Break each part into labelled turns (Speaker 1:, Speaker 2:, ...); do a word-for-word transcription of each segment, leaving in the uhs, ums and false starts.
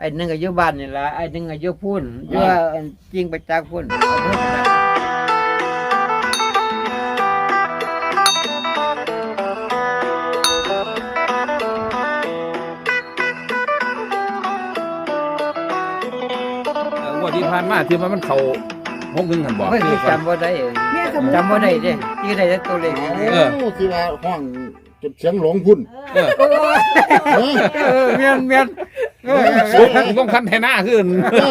Speaker 1: ไอ้หนึ่งก็อยู่บ้านนี่ละไอ้หนึ่งก็อยู่พุ่นอยู่จริงไปจากพุ่น
Speaker 2: วันที่ผ่านมาที่มันมันเข่าหกหนึ่งหันบอก
Speaker 1: ไม่จำว่าได้จำว่าได้เด้ที่ได้ตัวเลข
Speaker 3: เออที่ว่าห้องจนเสียงหลงพุ่น
Speaker 2: เออ
Speaker 1: เออเมียนเมียนเออ
Speaker 2: ต้องคันแทนหน้าขึ้น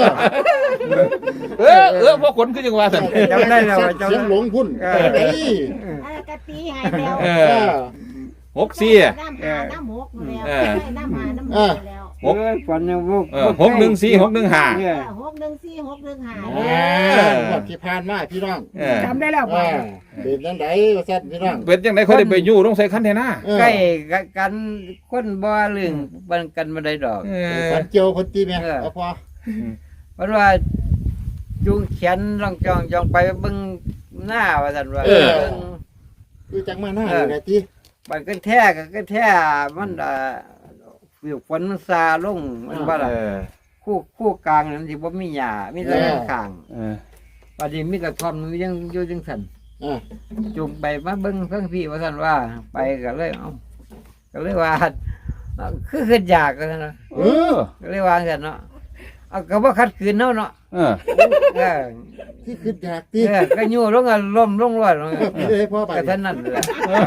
Speaker 2: เออเออพวกคนขึ้นจังหวะสัน
Speaker 1: จำได้แล้ว
Speaker 3: เสียงหลงพุ่นไอ้
Speaker 4: กะตีหายแล้ว
Speaker 2: เออหกสี่
Speaker 4: น้ำหาน้ำหกแล้วน้ำหาน้ำหกแล้ว
Speaker 2: หก
Speaker 1: ฝันยังบุก
Speaker 2: เออหกหนึ่งสี่หกหนึ่งห้า
Speaker 4: หกหนึ่งสี่หกหนึ่งห้า
Speaker 3: หมดที่ผ่านมาพี่น้อง
Speaker 2: เออ
Speaker 5: จำได้แล้ว
Speaker 3: อ่าเป็นจังไดว่าซั่นพี่น้อง
Speaker 2: เป็นจังไดเขาได้ไปอยู่ต้องใส่คันแทนหน้า
Speaker 1: ใกล้กันคนบ่เรื่องบันกันมาได้ดอก
Speaker 2: เออ
Speaker 3: ฝันเจียวคนตีแม่เอาพอ
Speaker 1: เพราะว่าจุงเขียนลองจองจองไปเบิ่งหน้าว่าซั่นว่า
Speaker 3: คือจังมาหน้าอยู่ไหนตี
Speaker 1: บันก็แท้ก็ก็แท้มันอ่าฟิวฝนมันซาลงมันว่าล่ะ
Speaker 2: เออ
Speaker 1: คู่คู่กลางนั้นสิบ่มีหญ้ามีแต่ข้าง
Speaker 2: เออ
Speaker 1: บัดนี้มีกระท่อมมันยังอยู่จังซั่น
Speaker 3: อ่า
Speaker 1: จุงไปมาเบิ่งเพิ่งพี่ว่าซั่นว่าไปก็เลยเอ้าก็เลยว่าคือคืออยากก็ซั่นนะ
Speaker 2: เออ
Speaker 1: ก็เลยว่าซั่นเนาะเอาก็บ่ขัดขืนเนาะเนาะ
Speaker 2: เออ
Speaker 1: เออ
Speaker 3: ที่คืออยากตี
Speaker 1: เออก็อยู่ลงก็ล้มลงรอด
Speaker 3: พี่เลยพ่อไป
Speaker 1: ก็เท่านั้นแหละ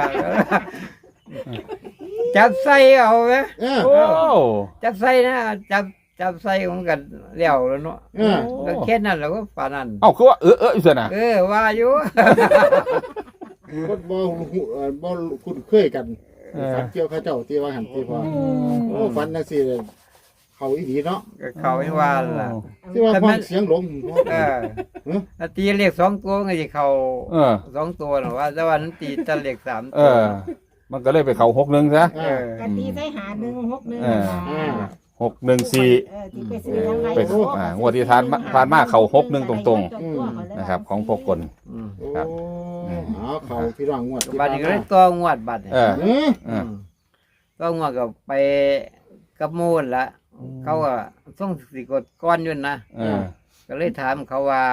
Speaker 1: จับใส่เอาไหม
Speaker 3: เออ
Speaker 2: โอ้
Speaker 1: จับใส่นะจับจับใส่ของกันเลี้ยวแล้วเนาะ
Speaker 3: เออ
Speaker 1: ก็แค่นั้นแล้วก็ป่านนั้น
Speaker 2: เอ้าคือว่าเออเอออยู่เสียนะ
Speaker 1: เออว่าอยู่
Speaker 3: คนบ่หูบ่คุ้นเคยกันฝันเจียวเขาเจ้าตีว่าหันตีพอโอ้ฝันจังซี่เลยเขาอีดีเนาะ
Speaker 1: ก็เขาไม่ว่าล่ะ
Speaker 3: ที่ว่าห้องเสียงหลง
Speaker 1: เออถ้าตีเลขสองตัวก็จะเขา
Speaker 2: เออ
Speaker 1: สองตัวหรอว่าแต่ว่านั้นตีแต่เลขสาม
Speaker 2: เอ
Speaker 1: ตัว
Speaker 2: อ มันก็เลยไปเขาหกหนึ่งซะ
Speaker 1: เออก
Speaker 4: ะตีใส่หาหนึ่งหกหนึ่ง
Speaker 2: หกหนึ่งสี่
Speaker 4: เออที่ไปซื้อทั้งไร
Speaker 2: ไปอ่างวดที่ทานผ่านมาเขาหกหนึ่งตรงๆนะครับ ของพวกคน
Speaker 1: อืม
Speaker 3: โอ้เอาเขาพี่น้องงวด
Speaker 1: บัดนี้ก็เลยตัวงวดบัด
Speaker 2: เออ
Speaker 3: เออ
Speaker 2: เออ
Speaker 1: ตัวงวดก็ไปกับมูลละเขาก็ส่งสิกดก้อนอยุ่นนะ
Speaker 2: เออ
Speaker 1: ก็เลยถามเขาว่า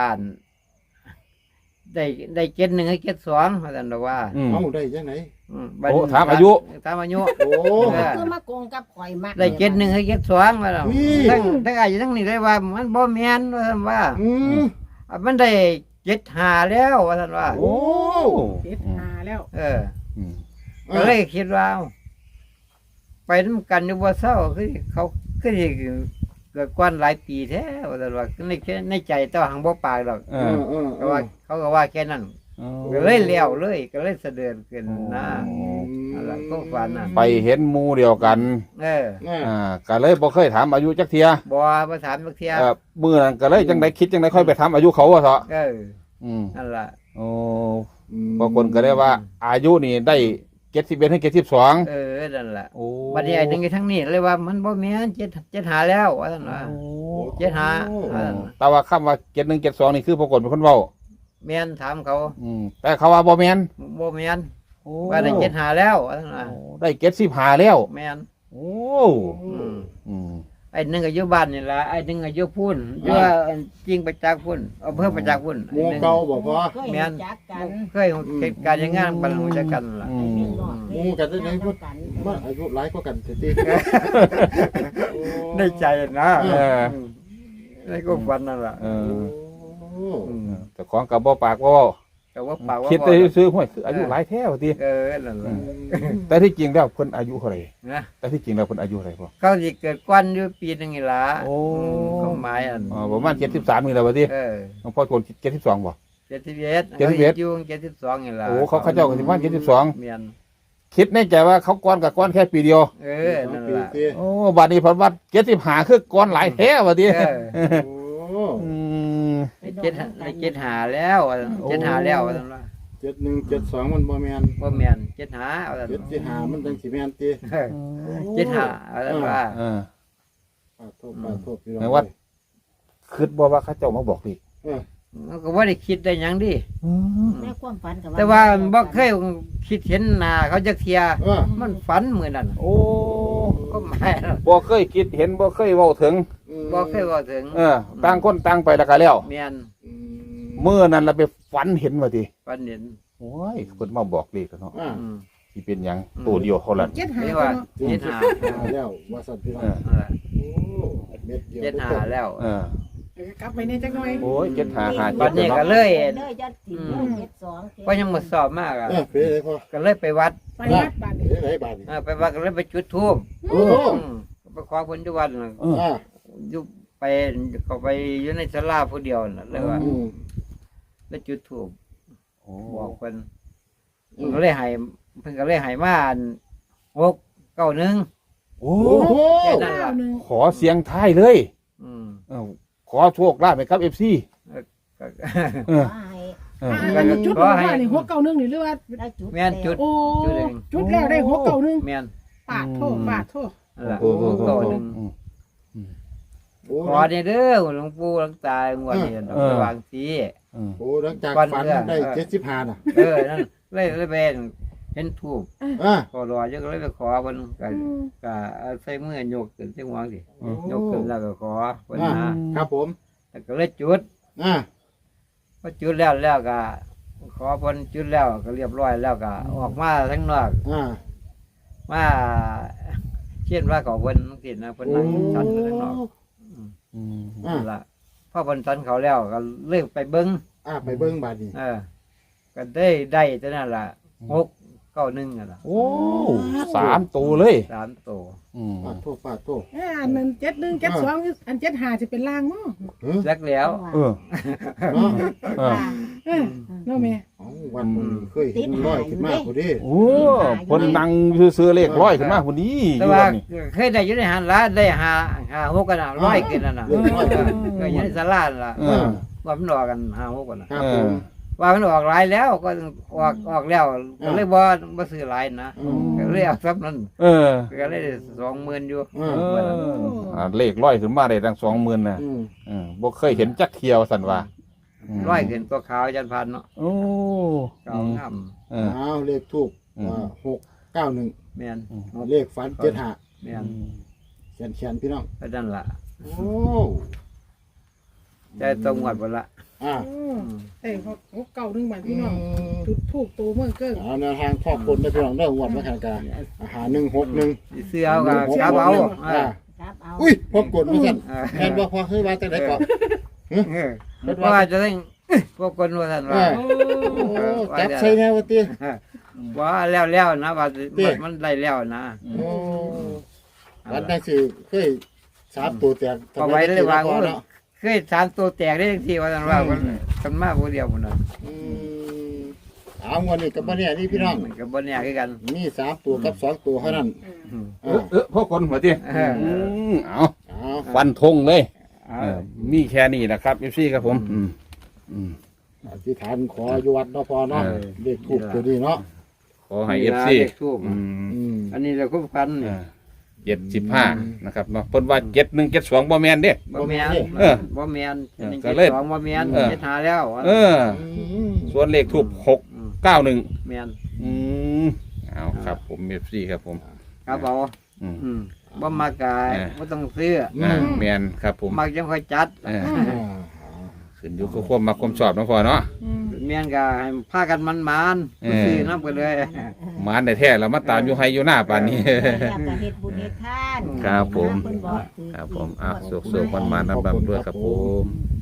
Speaker 1: ได้ได้เจ็ดหนึ่งให้เจ็ดสองเขาแต่บอกว่า
Speaker 2: อืม
Speaker 3: เอาได้จังไหน
Speaker 1: อืม
Speaker 2: โอ้ถามอายุ
Speaker 1: ถามอายุ
Speaker 3: โอ้
Speaker 4: คือมาโกงกับข่อยมาก
Speaker 1: ได้เจ็ดหนึ่งให้เจ็ดสองมาแล้วทั้งทั้งอายุทั้งนี้ได้ว่า มันบ่แม่นว่าท่านว่า
Speaker 3: อืม
Speaker 1: อ่ะมันได้เจ็ดหาแล้วว่าท่านว่า
Speaker 3: โอ้
Speaker 5: เจ็ดหาแล้ว
Speaker 1: เออ
Speaker 2: อืม
Speaker 1: ก็เลยคิดว่าเอ้าไปน้ำกันอยู่บ่เศร้าคือเขาคือสิเกิดก้อนหลายปีแท้ว่าท่านว่าในในใจเจ้าหังบ่ปากดอก
Speaker 2: เอ
Speaker 3: เอ
Speaker 2: อ
Speaker 3: อเออ
Speaker 1: ก็ว่าเขาก็ว่าแค่นั้นก็เลยเลี้ยวเลย ก็เลยเสด็จขึ้นนะอะไรก็ฝันน่ะ
Speaker 2: ไปเห็นหมูเดียวกัน
Speaker 1: เออ
Speaker 2: อ่าก็เลยบ่เคยถามอายุจักเทีย
Speaker 1: บ่มาถามบักเทีย
Speaker 2: เออมื้อนั้นก็เลยจังไดคิดจังไดค่อยไปถามอายุเขาว่าเถอะ
Speaker 1: เออ
Speaker 2: อืม
Speaker 1: นั่นล่ะ
Speaker 2: โอ้บางคนก็ได้ว่า อายุนี่ได้เจ็ดสิบเอ็ดให้เจ็ดสิบสอง
Speaker 1: เออนั่นล่ะ
Speaker 2: โอ้
Speaker 1: บัดนี้ไอ้หนึงทั้งนี้เลยว่ามันบ่แม่นเจ็ดเจ็ดหาแล้วว่าซั่นว่าเจ็ดหาว่าซั่น
Speaker 2: แต่ว่าคำว่าเจ็ดหนึ่งเจ็ดสองนี่คือปรากฏเป็นคนเว้า
Speaker 1: แม่นถามเขา
Speaker 2: อืมแต่เขาว่าบ่แม่น
Speaker 1: บ่แม่นว่าได้เจ็ดหาแล้วว่าซั่นว่า
Speaker 2: โอ้ได้เจ็ดสิบห้าแล้ว
Speaker 1: แม่น
Speaker 2: โอ้
Speaker 1: อืม
Speaker 2: อืม
Speaker 1: ไอ้หนึงก็อยู่บ้านนี่ล่ะไอ้หนึงก็อยู่พุ่นอยู่จริงประจักษ์พุ่นอำเภอประจักษ์พุ่น
Speaker 3: หมูเก่าบ่พอ
Speaker 4: เคยจักกัน
Speaker 1: เคยเหตุการณ์อย่างงั้นบรรลุจักกันล่ะ
Speaker 2: อืม
Speaker 3: หมูกันได้ไหนพูดมันอายุหลายกว่ากันสิติ
Speaker 1: ในใจนะ
Speaker 2: เออ
Speaker 1: ในก็ฝันนั่นล่ะ
Speaker 2: เออ
Speaker 3: โอ้
Speaker 2: อืมแต่ของกับบ่ปากบ่เว้า
Speaker 1: แต่ว่าปากว่า
Speaker 2: คิดได้ซื้อห้วยคืออายุหลายแท้ว่าติ
Speaker 1: เออนั่นล่ะ
Speaker 2: แต่ที่จริงแล้วเพิ่นอายุเท่าไหร่
Speaker 1: นะ
Speaker 2: แต่ที่จริงแล้วเพิ่นอายุเท่าไหร่พ่อ
Speaker 1: เขาสิเกิดกวนอยู่ปีหนึงนี่ล่ะ
Speaker 2: โอ้
Speaker 1: เขาหมายอัน
Speaker 2: อ๋อประมาณเจ็ดสิบสามนี่แหละว่าติ
Speaker 1: เออ
Speaker 2: หลวงพ่อคนเจ็ดสิบสองบ่
Speaker 1: เจ็ดสิบเอ็ด
Speaker 2: เจ็ดสิบเอ็ด
Speaker 1: อยู่เจ็ดสิบสองนี่ล่ะ
Speaker 2: โอ้เขาเขาเจ้าก็สิประมาณเจ็ดสิบสอง
Speaker 1: เมียน
Speaker 2: คิดในใจว่าเขาก้อนกับก้อนแค่ปีเดียว
Speaker 1: เออนั่นล่ะ
Speaker 2: โอ้บัดนี้เพันวัดเจ็ดสิบหาคือก้อนหลายแท้ว่าติ
Speaker 1: เออ
Speaker 3: โอ้
Speaker 2: อืม
Speaker 1: เจ็ดเจ็ดหาแล้วเจ็ดหาแล้วว่าซั่นว่า
Speaker 3: เจ็ดหนึ่งเจ็ดสองมันบ่แม่น
Speaker 1: บ่แม่นเจ็ดหาว่าซั่น
Speaker 3: เจ็ดที่หามันจังสิแม่นติ
Speaker 1: เออเจ็ดหาว่าซั่นว่า
Speaker 2: เออ
Speaker 3: ปาโทษปาโทษพี่น้อง
Speaker 2: ไหนว่า คิดบ่ว่าเขาเจ้ามาบอกดิ
Speaker 3: เออ
Speaker 1: มันก็บ่ได้คิดได้หยังดิ
Speaker 4: แม่ความฝันกับ
Speaker 1: แต่ว่าบ่เคยคิดเห็นหน้าเขาจักเที่ย
Speaker 3: เออ
Speaker 1: มันฝันมื้อนั้น
Speaker 2: โอ้
Speaker 1: ก็หมาย
Speaker 2: บ่เคยคิดเห็นบ่เคยเว้าถึง
Speaker 3: อืม
Speaker 1: บ่เคยเว้าถึง
Speaker 2: เออต่างคนต่างไปแล้วก็แล้ว
Speaker 1: แม่น
Speaker 3: อืม
Speaker 2: เมื่อนั้นเราไปฝันเห็นว่าติ
Speaker 1: ปันเห็น
Speaker 2: โอ้ยเพิ่นมาบอกเลขแล้วเนาะ
Speaker 3: อ่า
Speaker 1: อืม
Speaker 2: สิเป็นหยังตัวเดียวเท่านั้น
Speaker 5: เจ็ดหา
Speaker 1: นี่
Speaker 5: ตัว
Speaker 1: ว่า
Speaker 5: เนาะ
Speaker 1: เจ็ดหา
Speaker 3: หาแล้วว่าสันพี่น้อง
Speaker 2: เออ
Speaker 1: เออ
Speaker 3: โอ้เม็ดเดียว
Speaker 1: เจ็ดหาแล้ว
Speaker 2: เออ
Speaker 5: เดี๋ยวกลับไปเนี่ยจักหน่อย
Speaker 2: โอ้ยเจ็ดหาหา
Speaker 1: บั
Speaker 2: เจ็ด
Speaker 1: ดนี้
Speaker 2: เนาะ
Speaker 1: ก็เลย
Speaker 4: เลยจะติดเจ็ดสอง
Speaker 1: เพราะยังหมดสอบมากอ่ะ
Speaker 3: เออเป็นไรพ่อ
Speaker 1: ก็เลยไปวัด
Speaker 5: ไปวัดบ้าน
Speaker 3: เป็
Speaker 5: นี่
Speaker 3: นไรบาดนี่
Speaker 1: เออไปวัดก็เลยไปจุดธูป
Speaker 3: โอ้โห
Speaker 1: อืมไปขอผลที่วัดน่ะ
Speaker 2: เออ
Speaker 3: อ่า
Speaker 1: อยู่ไปเขาไปอยู่ในศาลาผู้เดียวน่ะเลยว่า
Speaker 3: อืม
Speaker 1: แล้วจุดธูป
Speaker 2: โอ้
Speaker 1: บอกเพิ่น
Speaker 3: อื
Speaker 1: เพิ่น
Speaker 3: ม
Speaker 1: ก็เลยให้เพิ่นก็เลยให้มาอันหกเก้าหนึ่ง
Speaker 2: โอ้
Speaker 3: โอ้โห
Speaker 1: แค่นั้น
Speaker 5: เก้า
Speaker 1: ล่ะ
Speaker 5: หนึ่ง
Speaker 2: ขอเสียงท้ายเลย
Speaker 1: อืม
Speaker 2: เออขอโชคลาภไปครับ เอฟ ซี
Speaker 1: ก็
Speaker 2: เออ
Speaker 4: ให้
Speaker 2: เออ
Speaker 5: อ่าจุดบอกว่านี่หกเก้าหนึ่งนี่หรือว่า
Speaker 4: ได้จุด
Speaker 1: แม่นจุด
Speaker 5: โอ้
Speaker 1: จุดเอง
Speaker 5: จุดแล้วได้หกเก้าหนึ่ง
Speaker 1: แม่น
Speaker 5: ปาดโทษปาดโทษ
Speaker 1: นั่นล่ะ
Speaker 2: โอ้โห
Speaker 1: หกเก้าหนึ่ง
Speaker 3: โอ้
Speaker 1: ขอเนี่ยเด้อหลวงปู่หลวงตางวดนี้ดอก
Speaker 2: เออ
Speaker 1: ระวางสี
Speaker 2: เออ
Speaker 3: โหหลังจาก
Speaker 1: วัน
Speaker 3: ฝัน
Speaker 1: เออ
Speaker 3: ได้เจ็ดสิบห้าน่ะ
Speaker 1: เออนั่นเลยเลยเป็นเห็นถูก
Speaker 3: อ่า
Speaker 1: ขอรอเยอะก็เลยไปขอเพิ่นก็ก็เอาใส่มือยกขึ้นจังหวะสิ
Speaker 3: โอ้
Speaker 1: ยกขึ้นแล้วก็ขอเพิ่น
Speaker 3: อ่า
Speaker 1: นะครับ
Speaker 3: ผม
Speaker 1: แล้วก็เลยจุด
Speaker 3: อ่า
Speaker 1: พอจุดแล้วแล้วก็ขอเพิ่นจุดแล้วก็เรียบร้อยแล้วก็ออกมาทั้งนอก
Speaker 3: อ่า
Speaker 1: มาเช่นว่าเขาเพิ่นจังซี่นะเพิ่นนั่งชันอยู่ข้างนอก
Speaker 2: อืม
Speaker 3: อ่า
Speaker 1: นั่นล่ะพอเพิ่นชันเขาแล้วก็เลิกไปเบิ่ง
Speaker 3: อ่าไปเบิ้งบาดนี่
Speaker 1: เออก็ได้ได้เท่านั้นล่ะหกเก้าหนึ่งอ่ะล่ะ
Speaker 2: โอ้สามตัวเลย
Speaker 1: สามตัว
Speaker 2: อืม
Speaker 3: ปาดโทษปาดโทษ
Speaker 5: อ่าอันนั้นเจ็ดหนึ่งเจ็ดสองอันเจ็ดหาจะเป็นล่างมั้ง
Speaker 3: เฮ้ย
Speaker 1: จักแล้ว
Speaker 2: เออ
Speaker 3: เนาะ
Speaker 2: เออ
Speaker 5: เออเนาะแม่
Speaker 3: เอาวันมึงเคยเห็นร้อยขึ้นมาพอดี
Speaker 2: โอ้คนนั่งซื้อๆเลขร้อยขึ้นมาคนนี้อ
Speaker 1: แต่
Speaker 2: ยู่
Speaker 1: ว่า
Speaker 2: วันนี้
Speaker 1: เคยได้อยู่ในหันละได้หาหาหกกันน่ะร้อยขึ้นนั่นน่ะ
Speaker 3: เออร้อยขึ้น
Speaker 1: เคยอยู่ในศาลานั่นล่ะ
Speaker 2: เออ
Speaker 1: ว่ามันออกกันหาหกกันน่ะ
Speaker 3: ครับผม
Speaker 1: ว่ามันออกหลายแล้วก็ออกออกแล้วก็เลยบ่บ่ซื้อหลายนะ
Speaker 3: อืม
Speaker 1: ก็เลยเอาซับนั้น
Speaker 2: เออ
Speaker 1: ก็เลยสองหมื่นอยู่
Speaker 3: อืม
Speaker 2: เอออ่าเลขร้อยขึ้นมาได้ตั้งสองหมื่นนะ
Speaker 3: อืม
Speaker 2: เออบ่เคยเห็นจักเที่ยวสันว่า
Speaker 1: ร้อยขึ้นตัวขาวยันพันเนาะ
Speaker 2: โอ้
Speaker 1: ขาวงาม
Speaker 2: เออ
Speaker 3: เอาเลขทูบ
Speaker 2: อืม
Speaker 3: หกเก้าหนึ่ง
Speaker 1: แม่น
Speaker 3: เลขฝันเจ็ดห้า
Speaker 1: แม่น
Speaker 3: เขียนเขียนพี่น้อง
Speaker 1: ก็นั่นล่ะ
Speaker 3: โอ้
Speaker 1: แต่ต้องงวดบ่ละ
Speaker 3: อ่า
Speaker 5: เอ้ยหกเก้าหนึ่งบาทพี่น้องจุดถูกตัวเมื่อเกิ้ง
Speaker 3: เอาแนวทางครอบคนได้พี่น้องได้หวดมาแข่งกันอาหารหนึ่งหกหนึ่ง
Speaker 1: สิซื้อเอาก็กลับเอา
Speaker 3: อ่า
Speaker 4: ครับเอา
Speaker 3: อุ้ยพบกดมาสั่น
Speaker 1: เออ
Speaker 3: แทนว่าพอเคยว่าแต่ไหนก่อน
Speaker 1: เออเพราะว่าจะต้องพวกคนว่าท่านว่า
Speaker 3: โอ้จับใส่แนวตี
Speaker 1: ว่าแล้วแล้วนะว่า
Speaker 3: เตี้ย
Speaker 1: มันได้แล้วนะ
Speaker 3: โอ้วันนั้นสิเคยสามตัวแตก
Speaker 1: เอาไว้เลยว่า
Speaker 3: พอเนาะ
Speaker 1: เคยสามตัวแตกได้ทังทีว่าท่านว่ามันกันมาผู้เดียวคนนั้น
Speaker 3: อืมเอาเงินนี่กับบ่เนี่ยนี่พี่น้อง
Speaker 1: มันก็บ่แน่คือกัน
Speaker 3: มีสามตัวกับสองตัวเท่านั้น
Speaker 1: อืม
Speaker 2: เออเออพวกคนหัวที่
Speaker 1: เออ
Speaker 2: เอา
Speaker 3: เอา
Speaker 2: ฟันธงเลย
Speaker 1: เอา
Speaker 2: เออมีแค่นี้นะครับเอฟซีครับผม อืมอืม
Speaker 3: อธิษฐานขออยู่วัดเนาะพอเนาะ
Speaker 2: เออ
Speaker 3: เลขทูบตัวนี้เนาะ
Speaker 2: ขอให้เอฟซี
Speaker 1: เลขทูป
Speaker 2: อืม
Speaker 3: อืม
Speaker 1: อันนี้เราคุ้มกันนี่
Speaker 2: เจ็ดสิบห้านะครับเนาะเพิ่นว่าเจ็ดหนึ่งเจ็ดสองบ่แมนเด้
Speaker 1: บ่แม่น
Speaker 2: เออ
Speaker 1: บ่แม่น
Speaker 2: เออ
Speaker 1: นี่
Speaker 2: ก็เลย
Speaker 1: สองบ่แม่น
Speaker 2: เออ
Speaker 1: เจ็ดหาแล้ว
Speaker 2: เออ
Speaker 3: อืม
Speaker 2: ส่วนเลขทูบหก
Speaker 1: อืม
Speaker 2: เก้าหนึ่ง
Speaker 1: แม่น
Speaker 2: อืมเอาครับผมเอฟซีครับผม
Speaker 1: ครับเอา
Speaker 2: อืม
Speaker 1: อืมบ่มากาย
Speaker 2: เออ
Speaker 1: บ่ต้องซื้อ
Speaker 2: อ่าแมนครับผม
Speaker 1: มักจังค่อยจัด
Speaker 2: เออ
Speaker 3: อ่า
Speaker 2: ขึ้นอยู่กับความมาความชอบเนาะพ่อเนาะ
Speaker 1: แม่นก็ให้พากันมันๆ
Speaker 2: เออ
Speaker 1: ซื้อนํไปเลย
Speaker 2: หมานได้แท้แล้วมาตามอยู่ให้อยู่หน้าป่านนี้
Speaker 4: อยากจะเฮ็ดบุญเฮ็ดทาน
Speaker 2: ครับผม
Speaker 4: เพิ่นบอกถือ
Speaker 2: ครับผมอ่ะสุขๆมันๆนำๆด้วยครับผม
Speaker 3: อ